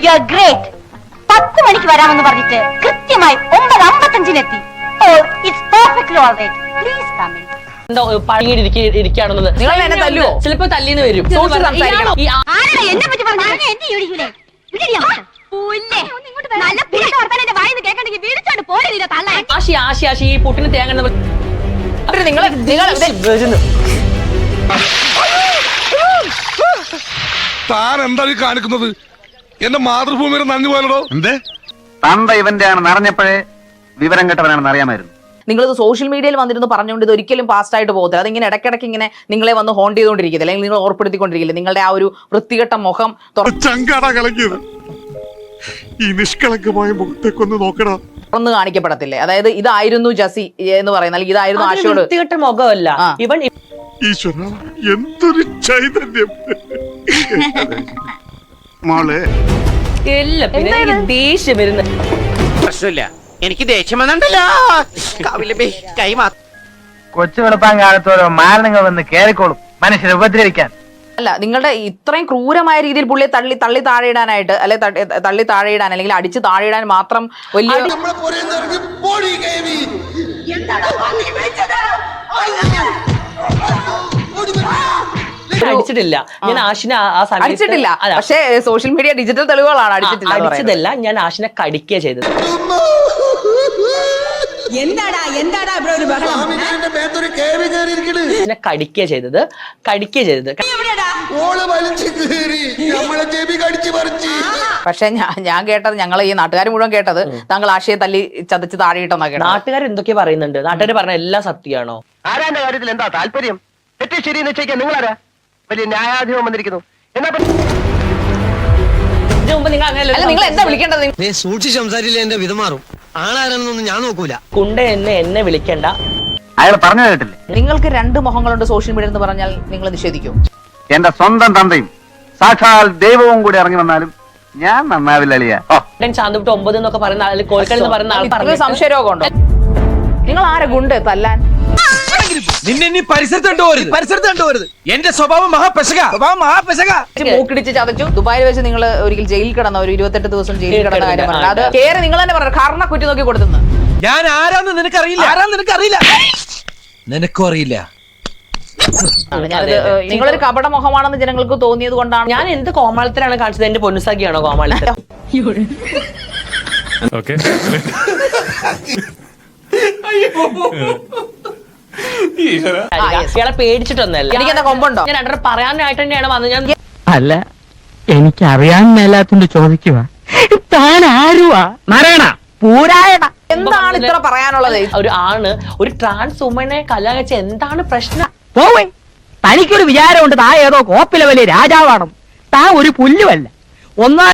You are great. 10 മണിക്ക് വരാമെന്ന് പറഞ്ഞിട്ട് കൃത്യമായി 9:55 oh it's perfectly alright. Please come in. എന്താ ഇരിക്കുകയാണെന്നത് നിങ്ങൾ എന്നെ തല്ലുവോ? ചിലപ്പോ തല്ലിന്ന് വരും. എന്നെ പറ്റി പറഞ്ഞു എന്നെ യോടിക്കൂലേ? നല്ല പിടിച്ച വർത്തമാനം വായിന്ന് കേൾക്കണ്ടെങ്കിൽ വീടിച്ചോണ്ട് പോയില്ല തള്ള. ആശി ഈ പുട്ടിന് തേങ്ങ താൻ എന്താ ഈ കാണിക്കുന്നത്? എന്റെ മാതൃഭൂമിയുടെ നന്ദി പോലടോ. എന്തേ തന്ത ഇവന്റെ ആണെന്ന് അറിഞ്ഞപ്പോഴേ വിവരം കെട്ടവനാണെന്ന് അറിയാമായിരുന്നു. നിങ്ങളിത് സോഷ്യൽ മീഡിയയിൽ വന്നിരുന്ന് പറഞ്ഞുകൊണ്ട് ഇത് ഒരിക്കലും പാസ്റ്റ് ആയിട്ട് പോകത്തില്ല. അതിങ്ങനെ ഇടയ്ക്കിടയ്ക്ക് ഇങ്ങനെ നിങ്ങളെ വന്ന് ഹോണ്ട് ചെയ്തുകൊണ്ടിരിക്കില്ല, അല്ലെങ്കിൽ നിങ്ങൾ ഓർപ്പെടുത്തിക്കൊണ്ടിരിക്കില്ല. നിങ്ങളുടെ ആ ഒരു വൃത്തികെട്ട മുഖം ചങ്കാടാ കളഞ്ഞത്. ഈ നിഷ്കളങ്കമായ മുഖത്തേക്കൊന്ന് നോക്കടാ. തുറന്ന് കാണിക്കപ്പെടത്തില്ലേ? അതായത് ഇതായിരുന്നു ജസി എന്ന് പറയുന്നത്, അല്ലെങ്കിൽ ഇതായിരുന്നു ആശയോട്. വൃത്തികെട്ട മുഖമല്ല ഇവൻ. ഈശ്വര എന്തൊരു ചൈതന്യം. മോളെ എല്ലാം പിന്നെ ദേഷ്യം വരുന്ന പ്രശ്നമില്ല, എനിക്ക് ദേഷ്യം വന്നിട്ടല്ലോ. കൊച്ചു വെളുപ്പാൻ കാലത്തോരോ മാരണങ്ങൾ വന്ന് കേറിക്കോളും മനുഷ്യരെ ഉപദ്രവിക്കാൻ. അല്ല, നിങ്ങളുടെ ഇത്രയും ക്രൂരമായ രീതിയിൽ പുള്ളിയെ തള്ളി താഴെയിടാനായിട്ട്, അല്ലെ തള്ളി താഴെയിടാൻ, അല്ലെങ്കിൽ അടിച്ച് താഴെയിടാൻ മാത്രം വലിയ അടിച്ചിട്ടില്ല. ഞാൻ ആശിനെ ആ സമയത്ത് അടിച്ചിട്ടില്ല. പക്ഷേ സോഷ്യൽ മീഡിയ ഡിജിറ്റൽ തെളിവുകളാണ്. അടിച്ചതല്ല, ഞാൻ ആശിനെ കടിക്കുക ചെയ്തത്. കടിക്കുക ചെയ്തത്. പക്ഷെ ഞാൻ കേട്ടത്, ഞങ്ങൾ ഈ നാട്ടുകാർ മുഴുവൻ കേട്ടത്, താങ്കൾ ആശയെ തല്ലി ചതച്ച് താഴെയിട്ടെന്നാ കേട്ടത്. നാട്ടുകാർ എന്തൊക്കെ പറയുന്നുണ്ട്? നാട്ടുകാർ പറഞ്ഞ എല്ലാം സത്യമാണോ? ആരാന്റെ കാര്യത്തിൽ എന്താ താല്പര്യം? തെറ്റ് ശരി നിശ്ചയിക്കാൻ നിങ്ങളാരാ? വലിയ ന്യായാധിപം വന്നിരിക്കുന്നു. എന്നാ നിങ്ങൾ എന്താ വിളിക്കേണ്ടത്? സൂക്ഷിച്ച് സംസാരിച്ചില്ല, എന്റെ വിധമാറും. ആളാരെന്നൊന്നും ഞാൻ നോക്കൂല. കുണ്ട എന്നെ വിളിക്കണ്ട. അയാൾ പറഞ്ഞു കേട്ടില്ലേ? നിങ്ങൾക്ക് 2 മുഖങ്ങളുണ്ട് സോഷ്യൽ മീഡിയ എന്ന് പറഞ്ഞാൽ നിങ്ങൾ നിഷേധിക്കും? എന്റെ സ്വന്തം തന്തയും സാക്ഷാൽ ദൈവവും കൂടി ഇറങ്ങി വന്നാലും ഞാൻ നന്നാവില്ല അളിയാ. ചാന്തുവിട്ട് 9 എന്നൊക്കെ പറയുന്ന ആൾ, കോഴിക്കൽ എന്ന് പറയുന്ന ആൾ പറഞ്ഞു സംശയരോഗം ഉണ്ടോ? നിങ്ങൾ ആരെ ഗുണ്ട് തല്ലാൻ? നിന്നെ പരിസരത്ത് കണ്ടുപോരുത്. എന്റെ സ്വഭാവം മഹാപെശക. മൂക്കിടിച്ച് ചതച്ചു. ദുബായിൽ വെച്ച് നിങ്ങൾ ഒരിക്കൽ ജയിലിൽ കിടന്ന, ഒരു 28 ദിവസം ജയിലിൽ കിടന്ന കാര്യം പറഞ്ഞു. അത് കേറി നിങ്ങൾ തന്നെ പറഞ്ഞു, കാരണം കുറ്റി നോക്കി കൊടുത്തുന്നു. ഞാൻ ആരാന്ന് നിനക്കറിയില്ല. നിനക്കും അറിയില്ല. നിങ്ങളൊരു കപട മുഖമാണെന്ന് ജനങ്ങൾക്ക് തോന്നിയത് കൊണ്ടാണ്. ഞാൻ എന്ത് കോമാളിത്തരാണ് കാണിച്ചത്? എന്റെ പൊന്നുസാക്കിയാണോ കോമാളിത്തരം? ഇയാളെ പേടിച്ചിട്ടൊന്നല്ല. എനിക്കെന്താ കൊമ്പുണ്ടോ? ഞാൻ രണ്ടര പറയാനായിട്ട് തന്നെയാണ് വന്നത്. ഞാൻ അല്ല, എനിക്ക് അറിയാൻ മേലാത്തോണ്ട് ചോദിക്കുക. താൻ ആരുവാ? നാരായണ പൂരായണ. എന്താണ് ഇത്ര പറയാനുള്ളത്? ഒരു ആണ് ഒരു ട്രാൻസ് വുമനെ കല്യാണം കഴിച്ച എന്താണ് പ്രശ്നം? പോവേ, തനിക്കൊരു വിചാരമുണ്ട് താ ഏതോ കോപ്പിലെ വലിയ രാജാവാണ്. താ ഒരു പുല്ലുമല്ല. ഒന്നാം